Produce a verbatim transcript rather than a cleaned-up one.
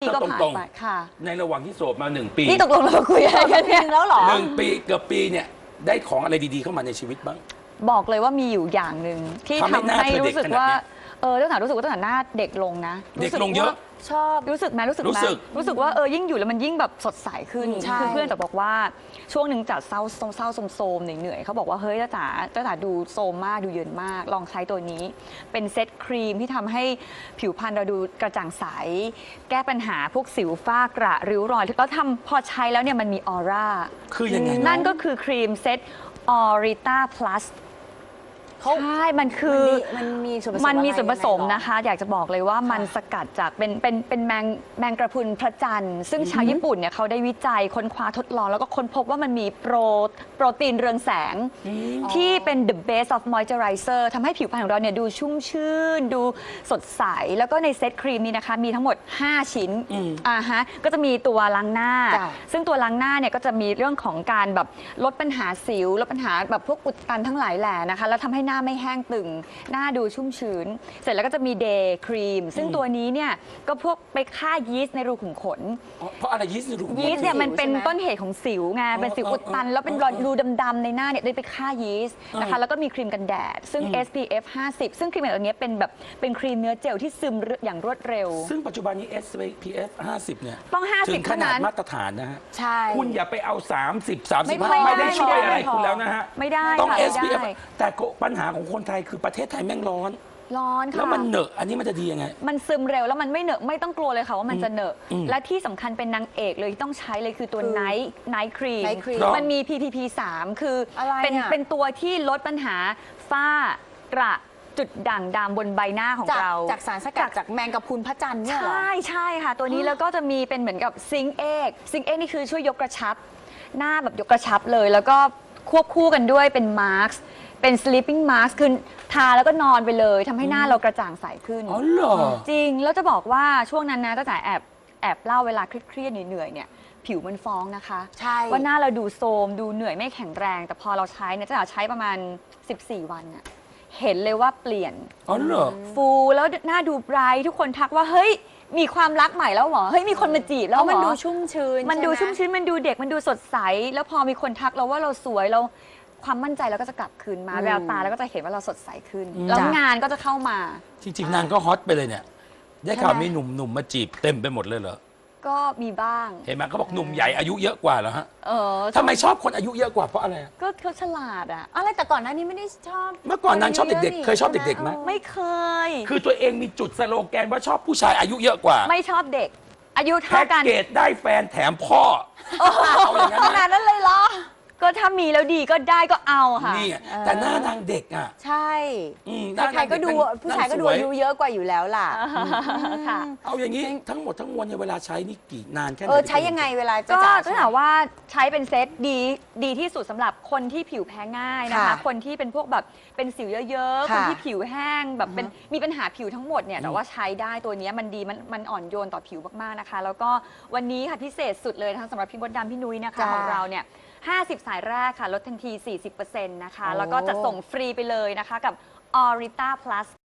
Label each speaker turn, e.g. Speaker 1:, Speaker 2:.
Speaker 1: ก็ผ่านไปค่ะ
Speaker 2: ในระหว่างที่โสดมาหนึ่งปี
Speaker 1: นี่ตกลงเราคุยอะไรกันเนี่ยแล้วหรอ
Speaker 2: หนึ่งปีเกือบปีเนี่ยได้ของอะไรดีๆเข้ามาในชีวิตบ้าง
Speaker 1: บอกเลยว่ามีอยู่อย่างหนึ่งที่ทำให้รู้สึกว่าเออตั้งแต่รู้สึกว่าตั้งแต่หน้าเด็กลงนะ
Speaker 2: เด็กลงเยอะ
Speaker 1: ชอบรู้สึกไหมรู้สึกไหมรู้สึกว่าเออยิ่งอยู่แล้วมันยิ่งแบบสดใสขึ้นคือเพื่อนจะบอกว่าช่วงหนึ่งจัดเศร้าเศร้าโซมๆเหนื่อยๆเขาบอกว่าเฮ้ยจ้าจ๋าจ้าจ๋าดูโซมมากดูเยินมากลองใช้ตัวนี้เป็นเซตครีมที่ทำให้ผิวพรรณเราดูกระจ่างใสแก้ปัญหาพวกสิวฝ้ากระริ้วรอยแล้วทำพอใช้แล้วเนี่ยมันมีออร่า
Speaker 2: คือยังไง
Speaker 1: นั่นก็คือครีมเซตออริต้าพลัสใช่ มันคือ
Speaker 3: มันมีส่วนผสม
Speaker 1: มันมีส่วนผสมนะคะ อยากจะบอกเลยว่ามันสกัดจากเป็นเป็นเป็นแมงแมงกระพรุนพระจันทร์ซึ่งชาวญี่ปุ่นเนี่ยเขาได้วิจัยค้นคว้าทดลองแล้วก็ค้นพบว่ามันมีโปรโปรตีนเรืองแสงที่เป็น the base of moisturizer ทำให้ผิวพรรณของเราเนี่ยดูชุ่มชื่นดูสดใสแล้วก็ในเซตครีมนี้นะคะมีทั้งหมดห้าชิ้นอ่าฮะก็จะมีตัวล้างหน้าซึ่งตัวล้างหน้าเนี่ยก็จะมีเรื่องของการแบบลดปัญหาสิวลดปัญหาแบบพวกอุดตันทั้งหลายแหล่นะคะแล้วทำให้หน้าไม่แห้งตึงหน้าดูชุ่มชื้นเสร็จแล้วก็จะมีเดย์ครีมซึ่งตัวนี้เนี่ยก็พวกไปฆ่ายีสต์ในรูขุมขน
Speaker 2: เพราะอะไรยีสต์ในรูขุมขน
Speaker 1: ยีสต์เนี่ยมันเป็นต้นเหตุของสิวไงเป็นสิวอุดตันแล้วเป็นรูดำๆในหน้าเนี่ยได้ไปฆ่ายีสต์นะคะแล้วก็มีครีมกันแดดซึ่ง เอส พี เอฟ ห้าสิบ ซึ่งครีมแบบนี้เป็นแบบเป็นครีมเนื้อเจลที่ซึมอย่างรวดเร็ว
Speaker 2: ซึ่งปัจจุบันนี้ เอส พี เอฟ ห้าสิบเนี่ย
Speaker 1: ต้องห้าสิบ
Speaker 2: ถึงขนาดมาตรฐานนะฮะ
Speaker 3: ใช่
Speaker 2: คุณอย่าไปเอาสามสิบ สามสิบห้าไม่ได้ช่วยอะไรคุณแล้วนะฮะ
Speaker 1: ไม่ได้
Speaker 2: ต้อง เอส พี เอฟ แต่ปัญหาของคนไทยคือประเทศไทยแม่งร้อน
Speaker 1: ร้อนค่ะ
Speaker 2: แล้วมันเหนอะอันนี้มันจะดียังไง
Speaker 1: มันซึมเร็วแล้วมันไม่เหนอะไม่ต้องกลัวเลยค่ะว่ามันจะเหนอะและที่สำคัญเป็นนางเอกเลยที่ต้องใช้เลยคือตัวไนท์ไนท์ครีมมันมี พี พี พี สาม คือเป็นเป็นตัวที่ลดปัญหาฝ้ากระจุดด่างดำบนใบหน้าของเรา
Speaker 3: จากสารสกัดจากแมงกะพรุนพระจันทร์เนี่ยเหรอ
Speaker 1: ใช่ใช่ค่ะตัวนี้แล้วก็จะมีเป็นเหมือนกับซิงเอกซิงเอกนี่คือช่วยยกกระชับหน้าแบบยกกระชับเลยแล้วก็ควบคู่กันด้วยเป็นมาร์คเป็น sleeping mask คือทาแล้วก็นอนไปเลยทำให้หน้าเรากระจ่างใสขึ้น
Speaker 2: อ๋อเหรอ
Speaker 1: จริงแล้วจะบอกว่าช่วงนั้นนะตั้งแต่แอบแอบเล่าเวลาเครียดๆเหนื่อยๆเนี่ยผิวมันฟ้องนะคะ
Speaker 3: ใช่
Speaker 1: ว่าหน้าเราดูโทรมดูเหนื่อยไม่แข็งแรงแต่พอเราใช้เนี่ยจะใช้ประมาณสิบสี่วันอะเห็นเลยว่าเปลี่ยน
Speaker 2: อ๋อเหรอ
Speaker 1: ฟูแล้วหน้าดูไบรท์ทุกคนทักว่าเฮ้ยมีความรักใหม่แล้วเหรอเฮ้ยมีคนมาจีบแล้วเหรอ
Speaker 3: มันดูชุ่มชื้น
Speaker 1: มันดูชุ่มชื้นมันดูเด็กมันดูสดใสแล้วพอมีคนทักเราว่าเราสวยเราความมั่นใจเราก็จะกลับคืนมาแววตาแล้วก็จะเห็นว่าเราสดใสขึ้นแล้วงานก็จะเข้ามา
Speaker 2: จริงๆนางก็ฮอตไปเลยเนี่ยได้ข่าวมีหนุ่มๆมาจีบเต็มไปหมดเลยเหรอ
Speaker 1: ก็มีบ้าง
Speaker 2: เห็นไหมเขาบอกหนุ่มใหญ่อายุเยอะกว่าเหรอฮะ
Speaker 1: เออ
Speaker 2: ทำไมชอบคนอายุเยอะกว่าเพราะอะไร
Speaker 1: ก็เขาฉลาดอะ
Speaker 3: อะไรแต่ก่อนหน้านี้ไม่ได้ชอบ
Speaker 2: เมื่อก่อนนางชอบเด็กๆเคยชอบเด็กๆไหม
Speaker 1: ไม่เคย
Speaker 2: คือตัวเองมีจุดสโลแกนว่าชอบผู้ชายอายุเยอะกว่า
Speaker 1: ไม่ชอบเด็กอายุเท่ากัน
Speaker 2: แพ็กเกจได้แฟนแถมพ่อ
Speaker 1: เอาอย่างนั้นขนาดนั้นเลยเหรอก็ถ้ามีแล้วดีก็ได้ก็เอาค่ะ
Speaker 2: นี่แต่หน้านางเด็กอ่ะ
Speaker 3: ใช่ใครก็ดูผู้ชายก็ดูอายุเยอะกว่าอยู่แล้วล่ะ
Speaker 1: ค่ะ
Speaker 2: เอาอย่างนี้ทั้งหมดทั้งมวลในเวลาใช้นี่กี่นานแค่ไหน
Speaker 3: เออใช้ยังไงเวลา
Speaker 1: ก็จะถามว่าใช้เป็นเซตดีดีที่สุดสำหรับคนที่ผิวแพ้ง่ายนะคะคนที่เป็นพวกแบบเป็นสิวเยอะๆคนที่ผิวแห้งแบบเป็นมีปัญหาผิวทั้งหมดเนี่ยแต่ว่าใช้ได้ตัวนี้มันดีมันมันอ่อนโยนต่อผิวมากๆนะคะแล้วก็วันนี้ค่ะพิเศษสุดเลยนะคะสำหรับพี่มดดำพี่นุ้ยนะคะของเราเนี่ยห้าสิบสายแรกค่ะลดทันที สี่สิบเปอร์เซ็นต์ นะคะแล้วก็จะส่งฟรีไปเลยนะคะกับ Orita Plus